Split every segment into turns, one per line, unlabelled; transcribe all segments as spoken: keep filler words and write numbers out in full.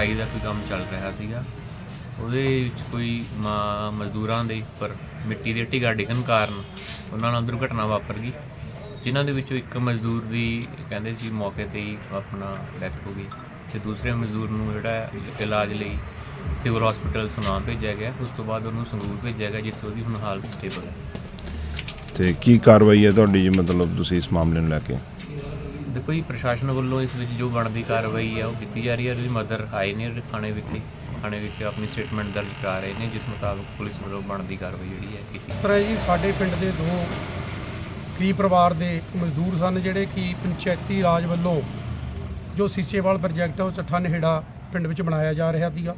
ਢਾਈ ਦਾ ਕੋਈ ਕੰਮ ਚੱਲ ਰਿਹਾ ਸੀਗਾ। ਉਹਦੇ ਵਿੱਚ ਕੋਈ ਮਾ ਮਜ਼ਦੂਰਾਂ ਦੇ ਉੱਪਰ ਮਿੱਟੀ ਦੀ ਢਿਗਾ ਡਿੱਗਣ ਕਾਰਨ ਉਹਨਾਂ ਨਾਲ ਦੁਰਘਟਨਾ ਵਾਪਰ ਗਈ, ਜਿਨ੍ਹਾਂ ਦੇ ਵਿੱਚੋਂ ਇੱਕ ਮਜ਼ਦੂਰ ਦੀ ਕਹਿੰਦੇ ਸੀ ਮੌਕੇ 'ਤੇ ਹੀ ਆਪਣਾ ਡੈਥ ਹੋ ਗਈ ਅਤੇ ਦੂਸਰੇ ਮਜ਼ਦੂਰ ਨੂੰ ਜਿਹੜਾ ਇਲਾਜ ਲਈ ਸਿਵਲ ਹਸਪੀਟਲ ਸੁਨਾਮ ਭੇਜਿਆ ਗਿਆ। ਉਸ ਤੋਂ ਬਾਅਦ ਉਹਨੂੰ ਸੰਗਰੂਰ ਭੇਜਿਆ ਗਿਆ, ਜਿੱਥੇ ਉਹਦੀ ਹੁਣ ਹਾਲਤ ਸਟੇਬਲ ਹੈ।
ਤੇ ਕੀ ਕਾਰਵਾਈ ਹੈ ਤੁਹਾਡੀ ਜੀ, ਮਤਲਬ ਤੁਸੀਂ ਇਸ ਮਾਮਲੇ ਨੂੰ ਲੈ ਕੇ?
ਦੇਖੋ ਜੀ, ਪ੍ਰਸ਼ਾਸਨ ਵੱਲੋਂ ਇਸ ਵਿੱਚ ਜੋ ਬਣਦੀ ਕਾਰਵਾਈ ਹੈ ਉਹ ਕੀਤੀ ਜਾ ਰਹੀ ਹੈ। ਉਹਦੀ ਮਦਰ ਆਏ ਨੇ ਥਾਣੇ ਵਿਖੇ ਥਾਣੇ ਵਿਖੇ ਆਪਣੀ ਸਟੇਟਮੈਂਟ ਦਰਜ ਕਰਾ ਰਹੇ ਨੇ, ਜਿਸ ਮੁਤਾਬਕ ਪੁਲਿਸ ਵੱਲੋਂ ਬਣਦੀ ਕਾਰਵਾਈ ਜਿਹੜੀ ਹੈ ਕੀਤੀ।
ਇਸ ਤਰ੍ਹਾਂ ਜੀ ਸਾਡੇ ਪਿੰਡ ਦੇ ਦੋ ਗਰੀਬ ਪਰਿਵਾਰ ਦੇ ਮਜ਼ਦੂਰ ਸਨ, ਜਿਹੜੇ ਕਿ ਪੰਚਾਇਤੀ ਰਾਜ ਵੱਲੋਂ ਜੋ ਸੀਚੇਵਾਲ ਪ੍ਰੋਜੈਕਟ ਉਹ ਚੱਠਾ ਨੇੜਾ ਪਿੰਡ ਵਿੱਚ ਬਣਾਇਆ ਜਾ ਰਿਹਾ ਸੀਗਾ,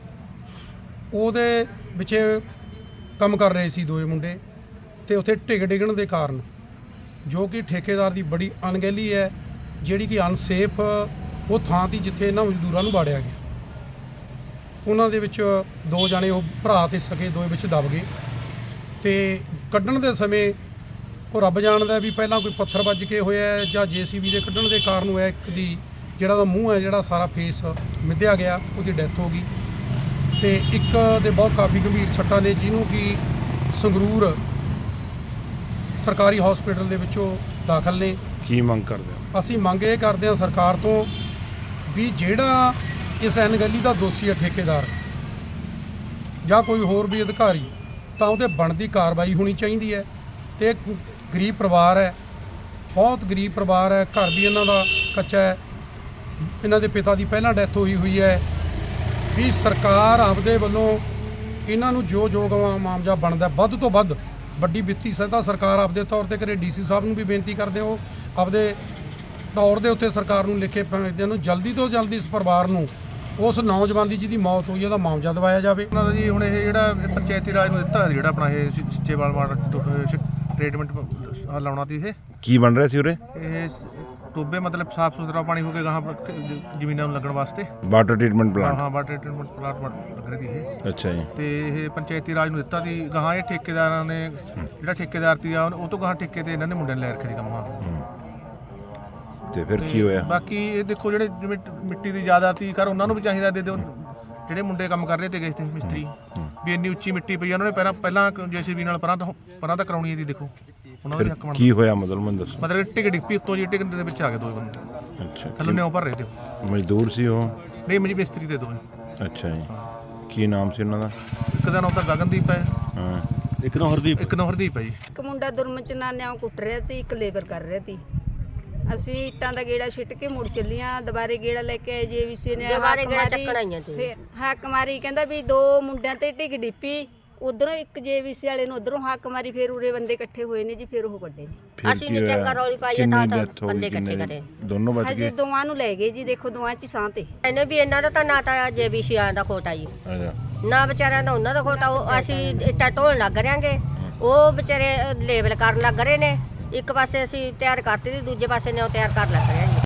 ਉਹਦੇ ਵਿੱਚ ਕੰਮ ਕਰ ਰਹੇ ਸੀ ਦੋਏ ਮੁੰਡੇ, ਤੇ ਉੱਥੇ ਢਿੱਗ ਡਿੱਗਣ ਦੇ ਕਾਰਨ ਜੋ ਕਿ ਠੇਕੇਦਾਰ ਦੀ ਬੜੀ ਅਣਗਹਿਲੀ ਹੈ, ਜਿਹੜੀ ਕਿ ਅਨਸੇਫ ਉਹ ਥਾਂ ਤੀ ਜਿੱਥੇ ਇਹਨਾਂ ਮਜ਼ਦੂਰਾਂ ਨੂੰ ਵਾੜਿਆ ਗਿਆ। ਉਹਨਾਂ ਦੇ ਵਿੱਚ ਦੋ ਜਾਣੇ ਉਹ ਭਰਾ ਤੇ ਸਕੇ ਦੋਏ ਵਿੱਚ ਦਬ ਗਏ, ਤੇ ਕੱਢਣ ਦੇ ਸਮੇਂ ਉਹ ਰੱਬ ਜਾਣਦਾ ਵੀ ਪਹਿਲਾਂ ਕੋਈ ਪੱਥਰ ਵੱਜ ਕੇ ਹੋਇਆ ਜਾਂ ਜੇਸੀਬੀ ਦੇ ਕੱਢਣ ਦੇ ਕਾਰਨ ਹੋਇਆ। ਇੱਕ ਦੀ ਜਿਹੜਾ ਉਹਦਾ ਮੂੰਹ ਹੈ, ਜਿਹੜਾ ਸਾਰਾ ਫੇਸ ਮਿੱਧਿਆ ਗਿਆ, ਉਹਦੀ ਡੈਥ ਹੋ ਗਈ, ਤੇ ਇੱਕ ਦੇ ਬਹੁਤ ਕਾਫੀ ਗੰਭੀਰ ਸੱਟਾਂ ਨੇ, ਜਿਹਨੂੰ ਕਿ ਸੰਗਰੂਰ ਸਰਕਾਰੀ ਹਸਪੀਟਲ ਦੇ ਵਿੱਚੋਂ ਦਾਖਲ ਨੇ।
ਕੀ ਮੰਗ ਕਰਦੇ ਹੋ?
ਅਸੀਂ ਮੰਗ ਇਹ ਕਰਦੇ ਹਾਂ ਸਰਕਾਰ ਤੋਂ ਵੀ ਜਿਹੜਾ ਇਸ ਅਣਗਹਿਲੀ ਦਾ ਦੋਸ਼ੀ ਹੈ ਠੇਕੇਦਾਰ ਜਾਂ ਕੋਈ ਹੋਰ ਵੀ ਅਧਿਕਾਰੀ, ਤਾਂ ਉਹਦੇ ਬਣਦੀ ਕਾਰਵਾਈ ਹੋਣੀ ਚਾਹੀਦੀ ਹੈ। ਤੇ ਗਰੀਬ ਪਰਿਵਾਰ ਹੈ, ਬਹੁਤ ਗਰੀਬ ਪਰਿਵਾਰ ਹੈ, ਘਰ ਵੀ ਇਹਨਾਂ ਦਾ ਕੱਚਾ ਹੈ, ਇਹਨਾਂ ਦੇ ਪਿਤਾ ਦੀ ਪਹਿਲਾਂ ਡੈਥ ਹੋਈ ਹੋਈ ਹੈ। ਵੀ ਸਰਕਾਰ ਆਪਦੇ ਵੱਲੋਂ ਇਹਨਾਂ ਨੂੰ ਜੋ ਜੋ ਮੁਆਵਜ਼ਾ ਬਣਦਾ ਵੱਧ ਤੋਂ ਵੱਧ ਵੱਡੀ ਵਿੱਤੀ ਸਹਾਇਤਾ ਸਰਕਾਰ ਆਪਦੇ ਤੌਰ ਤੇ ਕਰੇ। ਡੀਸੀ ਸਾਹਿਬ ਨੂੰ ਵੀ ਬੇਨਤੀ ਕਰਦੇ ਹੋ ਆਪਦੇ ਤੌਰ ਦੇ ਉੱਤੇ ਸਰਕਾਰ ਨੂੰ ਲਿਖੇ ਭੇਜਦਿਆਂ ਨੂੰ ਜਲਦੀ ਤੋਂ ਜਲਦੀ ਇਸ ਪਰਿਵਾਰ ਨੂੰ ਉਸ ਨੌਜਵਾਨ ਦੀ ਜਿਹਦੀ ਮੌਤ ਹੋਈ ਉਹਦਾ ਮੁਆਵਜ਼ਾ ਦਿਵਾਇਆ ਜਾਵੇ।
ਉਹਨਾਂ ਦਾ ਜੀ ਹੁਣ ਇਹ ਜਿਹੜਾ ਪੰਚਾਇਤੀ ਰਾਜ ਨੂੰ ਦਿੱਤਾ ਜਿਹੜਾ ਆਪਣਾ ਇਹ ਸੀਚੇਵਾਲ ਵਾਟਰ ਟ੍ਰੀਟਮੈਂਟ ਲਾਉਣਾ ਸੀ, ਇਹ
ਕੀ ਬਣ ਰਿਹਾ ਸੀ ਉਰੇ?
ਇਹ ਟੋਬੇ ਮਤਲਬ ਸਾਫ ਸੁਥਰਾ ਪਾਣੀ ਹੋ ਕੇ ਗਾਹਾਂ ਜ਼ਮੀਨਾਂ ਨੂੰ ਲੱਗਣ ਵਾਸਤੇ
ਵਾਟਰ ਟ੍ਰੀਟਮੈਂਟ ਪਲਾਂਟ?
ਹਾਂ, ਵਾਟਰ ਟ੍ਰੀਟਮੈਂਟ ਪਲਾਂਟ ਲੱਗ ਰਹੀ ਸੀ ਇਹ।
ਅੱਛਾ ਜੀ।
ਤੇ ਇਹ ਪੰਚਾਇਤੀ ਰਾਜ ਨੂੰ ਦਿੱਤਾ ਸੀ ਗਾਹਾਂ। ਇਹ ਠੇਕੇਦਾਰਾਂ ਨੇ ਜਿਹੜਾ ਠੇਕੇਦਾਰ ਸੀ ਉਹ ਤੋਂ ਗਾਹਾਂ ਠੇਕੇ ਤੇ ਇਹਨਾਂ ਨੇ ਮੁੰਡਿਆਂ ਲੈ ਰੱਖੇ ਸੀ ਕੰਮ। ਹਾਂ,
ਤੇ ਫਿਰ ਕੀ ਹੋਇਆ?
ਬਾਕੀ ਇਹ ਦੇਖੋ ਜਿਹੜੇ ਜਿਵੇਂ ਮਿੱਟੀ ਦੀ ਜ਼ਿਆਦਾ ਤੀ ਕਰ ਉਹਨਾਂ ਨੂੰ ਵੀ ਚਾਹੀਦਾ ਦੇ ਦਿਓ, ਜਿਹੜੇ ਮੁੰਡੇ ਕੰਮ ਕਰ ਰਹੇ ਤੇ ਗਏ ਤੇ ਮਿਸਤਰੀ ਵੀ ਇੰਨੀ ਉੱਚੀ ਮਿੱਟੀ ਪਈ ਉਹਨਾਂ ਨੇ ਪਹਿਲਾਂ ਪਹਿਲਾਂ ਜੇਸੀਬੀ ਨਾਲ ਪਰਾਂ ਤੋਂ ਪਰਾਂ ਤਾਂ ਕਰਾਉਣੀ ਇਹਦੀ। ਦੇਖੋ ਉਹਨਾਂ ਦਾ ਹੱਕ ਬਣਦਾ।
ਕੀ ਹੋਇਆ ਮਤਲਬ ਮੈਨੂੰ ਦੱਸੋ?
ਮਤਲਬ ਟਿਕ ਡਿੱਪੀ ਉੱਤੋਂ ਜੀ, ਟਿਕ ਦੇ ਵਿੱਚ ਆ ਗਏ ਦੋ ਬੰਦੇ।
ਅੱਛਾ,
ਥੱਲੋਂ ਨਿਉ ਭਰ ਰਹੇ ਤੇ
ਮਜ਼ਦੂਰ ਸੀ ਉਹ?
ਨਹੀਂ, ਮੇਰੀ ਮਿਸਤਰੀ ਦੇ ਦੋ।
ਅੱਛਾ ਜੀ। ਕੀ ਨਾਮ ਸੀ ਉਹਨਾਂ ਦਾ?
ਇੱਕ ਦਾ ਨਾਮ ਤਾਂ ਗਗਨਦੀਪ ਹੈ,
ਹਾਂ,
ਇੱਕ ਨਾਮ ਹਰਦੀਪ ਇੱਕ ਨਾਮ ਹਰਦੀਪ ਹੈ ਜੀ।
ਇੱਕ ਮੁੰਡਾ ਦੁਰਮਚਨਾਨਿਆਂ ਕੁੱਟ ਰਿਹਾ ਤੇ ਇੱਕ ਲੇਬਰ ਕਰ ਰਿਹਾ ਸੀ। ਅਸੀਂ ਇੱਟਾਂ ਦਾ ਗੇੜਾ ਛਿੱਟ ਕੇ ਮੁੜ ਚੱਲੀਆਂ, ਦੁਬਾਰੇ ਗੇੜਾ ਲੈ ਕੇ ਆਏ ਜੇਵੀਸੀ ਨੇ
ਦੁਬਾਰੇ ਗੇੜਾ ਚੱਕਣ ਆਈਆਂ ਤੇ
ਫਿਰ ਹੱਕ ਮਾਰੀ, ਕਹਿੰਦਾ ਵੀ ਦੋ ਮੁੰਡਿਆਂ ਤੇ ਢਿੱਗ ਡਿੱਪੀ, ਉਧਰੋਂ ਇੱਕ ਜੇਵੀਸੀ ਵਾਲੇ ਨੂੰ ਉਧਰੋਂ ਹੱਕ ਮਾਰੀ, ਫਿਰ ਉਰੇ ਬੰਦੇ ਇਕੱਠੇ ਹੋਏ ਨੇ ਜੀ, ਫਿਰ ਉਹ ਕੱਢੇ ਨੇ।
ਅਸੀਂ ਨੀ ਚੰਗਾ ਰੌਲੀ ਪਾਈ ਤਾਂ ਤਾਂ ਬੰਦੇ ਇਕੱਠੇ ਕਰੇ,
ਦੋਨੋਂ ਬਚ
ਹਜੇ
ਗਏ?
ਦੋਵਾਂ ਨੂੰ ਲੈ ਗਏ ਜੀ, ਦੇਖੋ ਦੋਵਾਂ ਚ ਸਾਹ ਤੇ।
ਇਹਨੇ ਵੀ ਇਹਨਾਂ ਦਾ ਤਾਂ ਨਾ ਤਾਂ ਜੇਬੀਸੀਆਂ ਦਾ ਖੋਟਾ ਜੀ,
ਅੱਛਾ,
ਨਾ ਵਿਚਾਰਿਆਂ ਦਾ ਉਹਨਾਂ ਦਾ ਖੋਟਾ। ਉਹ ਅਸੀਂ ਇੱਟਾਂ ਢੋਣ ਲੱਗ ਰਿਆਂਗੇ, ਉਹ ਵਿਚਾਰੇ ਲੇਬਲ ਕਰਨ ਲੱਗ ਰਹੇ ਨੇ। ਇੱਕ ਪਾਸੇ ਅਸੀਂ ਤਿਆਰ ਕਰਤੀ ਤੇ ਦੂਜੇ ਪਾਸੇ ਨੇ ਉਹ ਤਿਆਰ ਕਰ ਲੱਗ ਰਹੇ ਜੀ।